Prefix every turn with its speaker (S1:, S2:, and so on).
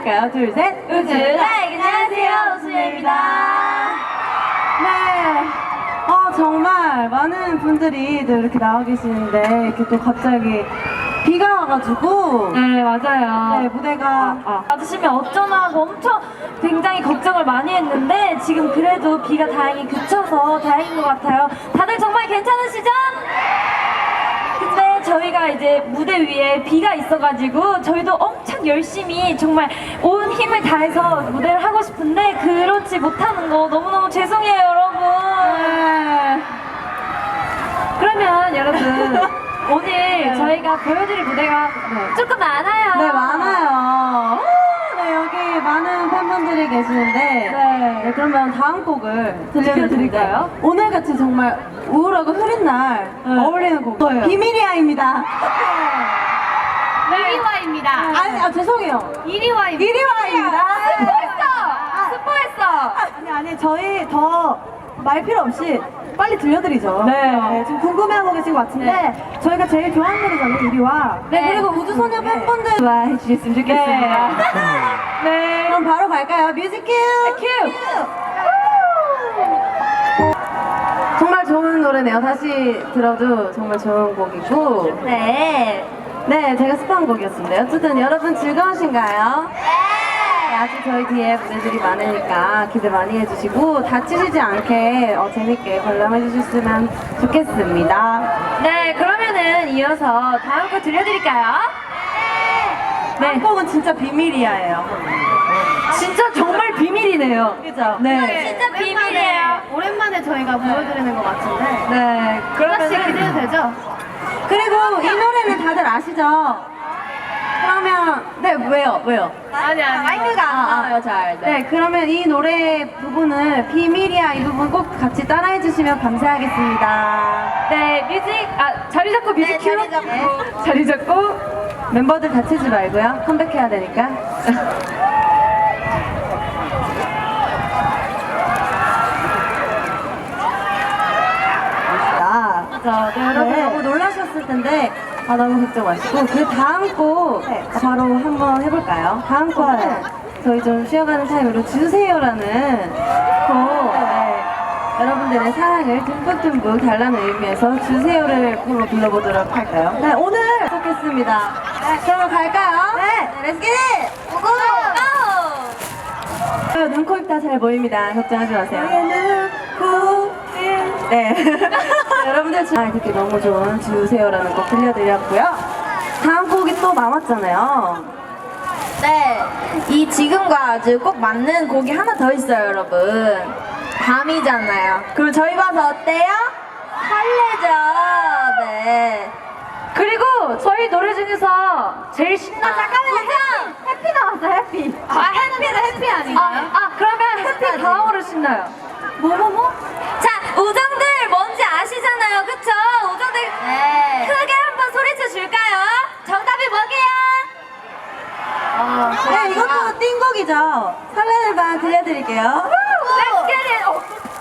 S1: 시작해볼까요? 둘, 셋.
S2: 우주라이 안녕하세요, 우수연입니다.
S1: 네. 정말 많은 분들이 또 이렇게 나와 계시는데 이렇게 또 갑자기 비가 와가지고
S2: 네, 맞아요.
S1: 네, 무대가
S2: 와주시면 어쩌나 하고 엄청 굉장히 걱정을 많이 했는데 지금 그래도 비가 다행히 그쳐서 다행인 것 같아요. 다들 정말 괜찮으시죠? 근데 저희가 이제 무대 위에 비가 있어가지고 저희도 엄청 열심히 정말 온 힘을 다해서 무대를 하고 싶은데 그렇지 못하는 거 너무너무 죄송해요, 여러분.
S1: 네.
S2: 그러면 여러분 오늘 저희가 보여드릴 무대가 조금 많아요.
S1: 네, 많아요. 네, 여기 많은 팬분들이 계시는데 네, 그러면 다음 곡을 들려드릴까요? 오늘같이 정말 우울하고 흐린 날 어울리는 곡이에요. 비밀이야입니다.
S2: 이리와입니다.
S1: 아니, 죄송해요.
S2: 이리와입니다.
S1: 이리와입니다.
S2: 스포했어.
S1: 아니, 저희 더 말 필요 없이 빨리 들려드리죠.
S2: 네.
S1: 지금 궁금해하고 계신 것 같은데 저희가 제일 좋아하는 노래잖아요, 이리와. 네, 그리고 우주소녀 팬분들 좋아해 주셨으면 좋겠습니다.
S2: 네.
S1: 그럼 바로 갈까요? 뮤직 큐! 정말 좋은 노래네요. 다시 들어도 정말 좋은 곡이고. 네, 제가 스파한 곡이었습니다. 어쨌든 여러분 즐거우신가요? 아직 저희 뒤에 무대들이 많으니까 기대 많이 해주시고 다치시지 않게 재밌게 관람해 주셨으면 좋겠습니다.
S2: 네, 그러면은 이어서 다음 곡 들려드릴까요?
S1: 다음 곡은 진짜 비밀이야예요.
S2: 진짜 정말 비밀이네요.
S1: 그죠?
S2: 네. 진짜 비밀이에요.
S3: 오랜만에 저희가 보여드리는 것 같은데
S2: 네.
S3: 하나씩 기대도 되죠?
S1: 그리고 이 노래는 다들 아시죠? 그러면 네, 왜요?
S3: 아니
S1: 마이크가 안 나와요, 잘. 네, 그러면 이 노래 부분을 비밀이야 이 부분 꼭 같이 따라해 주시면 감사하겠습니다.
S2: 네, 자리 잡고 뮤직 큐로. 자리 잡고.
S1: 멤버들 다치지 말고요. 컴백해야 되니까. 네, 여러분 너무 놀라셨을 텐데 너무 걱정 마시고 그 다음 곡 바로 한번 해볼까요? 다음 곡은 저희 좀 쉬어가는 타임으로 주세요라는 곡 여러분들의 사랑을 듬뿍듬뿍 달라는 의미에서 주세요를 불러보도록 할까요? 네, 오늘 시작했습니다. 네, 그러면 갈까요? 네, 렛츠 기! 고고! 눈, 코, 입 다 잘 보입니다. 걱정하지 마세요. 눈, 코, 입. 네. 여러분들 듣기 너무 좋은 주세요라는 곡 들려드렸고요. 다음 곡이 또 남았잖아요.
S4: 네, 이 지금과 아주 꼭 맞는 곡이 하나 더 있어요, 여러분. 밤이잖아요. 그럼 저희 봐서 어때요? 설레죠? 네.
S2: 그리고 저희 노래 중에서 제일 신나는
S4: 해피 나왔어, 해피.
S2: 해피는 해피 아닌가요? 그러면 해피 다음으로 신나요.
S4: 자, 우정들 뭔지 아시잖아요, 그쵸? 우정들
S2: 네.
S4: 크게 한번 소리쳐 줄까요? 정답이 뭐게요?
S1: 네, 이것도 띵곡이죠. 설레는 밤 들려드릴게요.
S2: Let's get it!